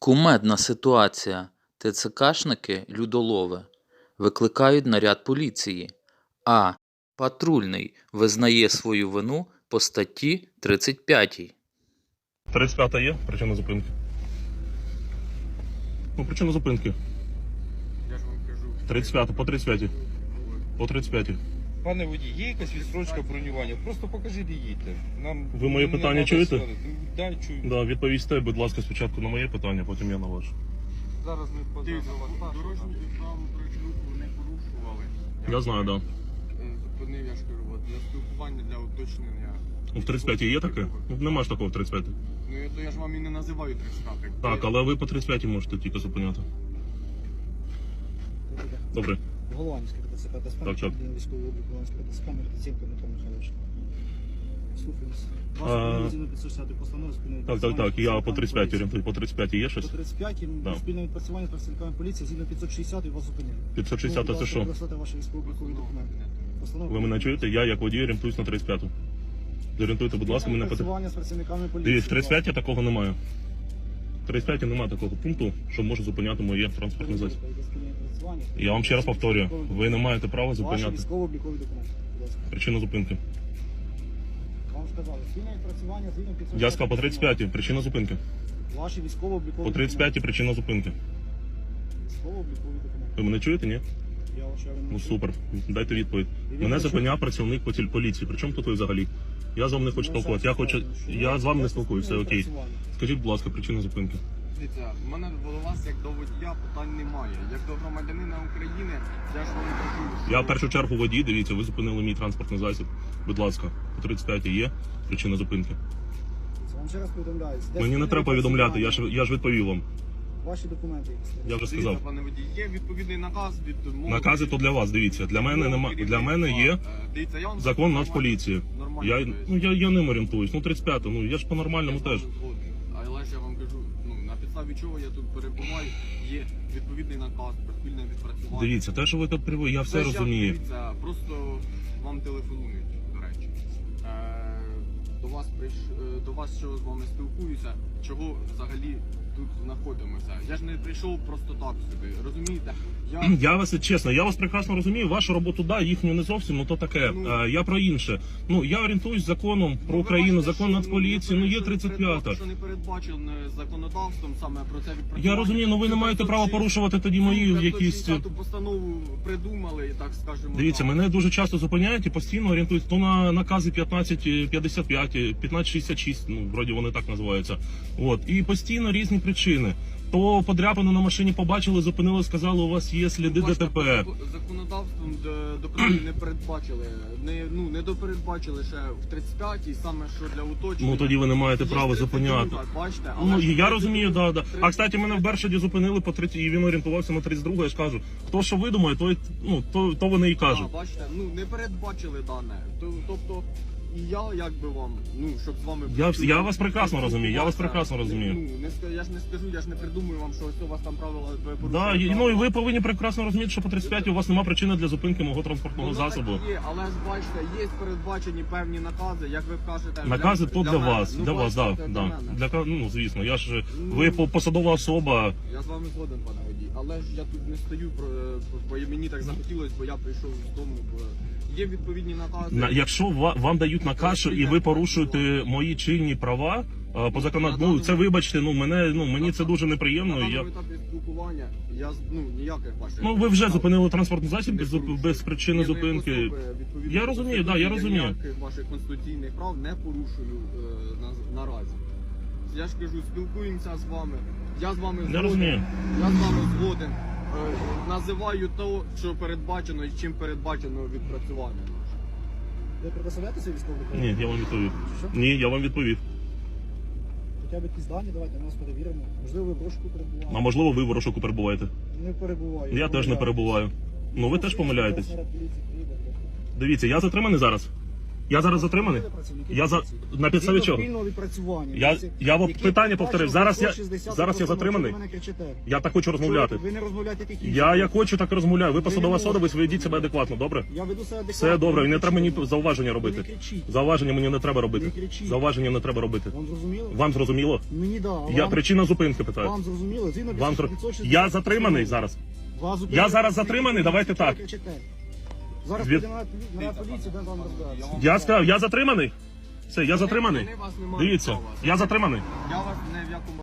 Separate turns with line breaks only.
Кумедна ситуація. ТЦКшники людолови викликають наряд поліції, а патрульний визнає свою вину по статті 35.
35 є причина зупинки? Ну, причина зупинки.
Я ж вам кажу.
35, по 35. По 35.
Пане водій, є якась відстрочка бронювання? Просто покажіть і їдьте. Нам
Ви моє
не
питання
треба
чуєте?
сварити. Да, чую.
Да, відповісте, будь ласка, спочатку на моє питання, потім я на ваше.
Зараз ми познаємо вас.
Дорожні правил прочерку не порушували.
Я знаю, да.
Зупинив, я ж кажу, от, для спілкування, для уточнення.
Ну, в 35 є таке? Ну, нема ж такого в 35.
Ну, то я ж вам і не називаю 35.
Так, але ви по 35 можете тільки зупиняти. Добре.
Голландський ТЦК та
Так, так.
спільний військовий облік Голландського ТЦК, Мертиценко Михайло Михайлович. Слухаюсь.
А,
Ваша згідно 560 постанови спільного
Так, я по 35 орієнтую. По 35 є
По
щось?
35
Да.
спільне відпрацювання з працівниками поліції згідно 560 і вас зупиняє.
560 це що?
Використати ваші військово-облікові документи. Постанова.
Ви мене чуєте? Я як водій орієнтуюсь на 35-ту. Зорієнтуйте, будь ласка, мене по...
Відпрацювання з працівниками поліції.
Дивіться, в 35 такого немає. В 35 немає такого пункту, що може зупиняти моє транспортне засіб. Я вам ще раз повторюю, ви не маєте права
Ваші
зупиняти.
військово-облікові документи. Будь ласка.
Причина зупинки.
Вам сказали, спільне відпрацювання згідно 560.
Я сказав по 35 причина зупинки.
Ваші військово-облікові
По 35 причина зупинки.
Військово-облікові документи.
Ви мене чуєте, ні?
Я вважаю, ви не
Ну
чуєте.
супер. Дайте відповідь. Мене зупиняв працівник поліції. Причому тут ви взагалі? Я з вами не хочу спілкуватися. Я з вами не спілкуюся, все окей. Скажіть, будь ласка, причина зупинки.
Дивіться, в мене до вас, як до водія, питань немає. Як до громадянина України, я ж вам кажу, що...
Я в першу чергу водій, дивіться, ви зупинили мій транспортний засіб. Будь ласка, по 35 є причина зупинки.
Вам ще раз повідомляю.
Мені не треба повідомляти, я ж відповів вам.
Ваші документи.
Я вже
Дивіться,
сказав.
пане водій, є відповідний наказ від...
Накази то для вас, дивіться. Для мене нема. Для мене є
Дивіться, я вам
закон
нормально-
Нацполіції.
нормально
Я ним орієнтуюсь. Ну 35, ну я ж по-нормальному
Я з
теж.
вами згоден. Але ж я вам кажу, ну на підставі чого я тут перебуваю, є відповідний наказ про спільне відпрацювання.
Дивіться, те, що ви тут приводите, я все
Це ж
розумію.
дивіться, просто вам телефонують, до речі. До вас що з вами спілкуюся, чого взагалі тут знаходимося. Я ж не прийшов просто так сюди, розумієте?
Я вас чесно, я вас прекрасно розумію. Вашу роботу, да, їхню не зовсім, ну то таке.
Ну,
Я про інше. Ну я орієнтуюсь законом про Україну, закон Нацполіції. Ну є 35-та.
Що не передбачено законодавством саме про це відпрацювання.
Я розумію, ну ви не маєте права порушувати тоді мої якісь.
Ту постанову придумали, так скажемо.
Дивіться,
так.
мене дуже часто зупиняють і постійно орієнтують то на накази 1555, 1566, ну вроді вони так називаються. От і постійно різні причини. То подряпину на машині побачили, зупинили, сказали, у вас є сліди
Бачите,
ДТП.
Законодавством не передбачили, не допередбачили ще в 35-й, саме що для уточнення.
Ну тоді ви не маєте
Є
права
32,
зупиняти.
Бачите,
Ну
ж
я розумію, да.
32
А кстати, мене в Бершаді зупинили по 30, і він орієнтувався на 32, я ж кажу. Хто що видумає, то вони і кажуть.
Бачите, не передбачили дане. Тобто, і я якби вам, щоб з вами...
Я вас прекрасно розумію, я вас прекрасно розумію.
Я ж не скажу, я ж не придумую вам, що ось у вас там правила ви
Да,
порушуєте.
ну і ви повинні прекрасно розуміти, що по 35 у вас немає причини для зупинки мого транспортного
Воно так
засобу.
Є, але ж бачите, є передбачені певні накази, як ви кажете.
Накази то для
мене.
вас,
Ну,
для вас, да,
бачите,
да.
мене.
Ну звісно, я ж ви посадова особа.
Я з вами згоден, пане водій, але ж я тут не стою, бо мені так захотілося, бо я прийшов з дому. Є відповідні накази.
Якщо вам дають наказ і ви порушуєте мої чинні права по законодавству, це вибачте, мені це дуже неприємно.
На даному етапі спілкування я ніяких ваших...
Ну ви вже зупинили транспортний засіб без причини
Я
зупинки.
не особи, відповідно,
Я розумію, да, я розумію.
ніяких ваших конституційних прав не порушую наразі. Я ж кажу, спілкуємося з вами. Я з вами
Я
згоден.
розумію.
Я з вами згоден. Називаю то, що передбачено і чим передбачено відпрацювання.
Ви предоставляєте свій військовий документ?
Ні, я вам відповів.
Що?
Ні, я вам відповів.
Хоча б якісь дані, давайте ми нас перевіримо. Можливо, ви в розшуку
А
перебуваєте.
можливо, ви в розшуку перебуваєте.
Не перебуваю.
Я теж не перебуваю. Ну ви теж помиляєтесь. Дивіться, я затриманий зараз. Я зараз затриманий? Я за на підставі чого?
Спільного відпрацювання.
Я вам
Які
питання
бачили
повторив. Зараз я
160
зараз я
постанов,
затриманий.
чого ви мене кричите?
Я так хочу розмовляти.
Ви не розмовляєте тільки.
Я як хочу, так і розмовляю. Ви посадова особа, ви ведіть себе адекватно, добре?
Я веду себе адекватно.
Все добре, і не треба мені
кричіть.
зауваження
Ви
робити.
не кричіть.
Зауваження мені не треба
Не
робити.
кричіть.
Зауваження не треба робити.
Вам зрозуміло?
Вам зрозуміло?
Мені да. А
Я
вам,
причина зупинки питаю.
вам зрозуміло? Згідно
Вам
560
я затриманий зараз.
Вас
Я
зупинили,
зараз
ви
затриманий, давайте
чого ви
так.
кричите? Зараз
Від-
підемо на поліцію, де вам розбиратися.
Я сказав, я затриманий. Все, я затриманий.
Вони вас не мають
Дивіться,
права.
я затриманий.
Я вас не в якому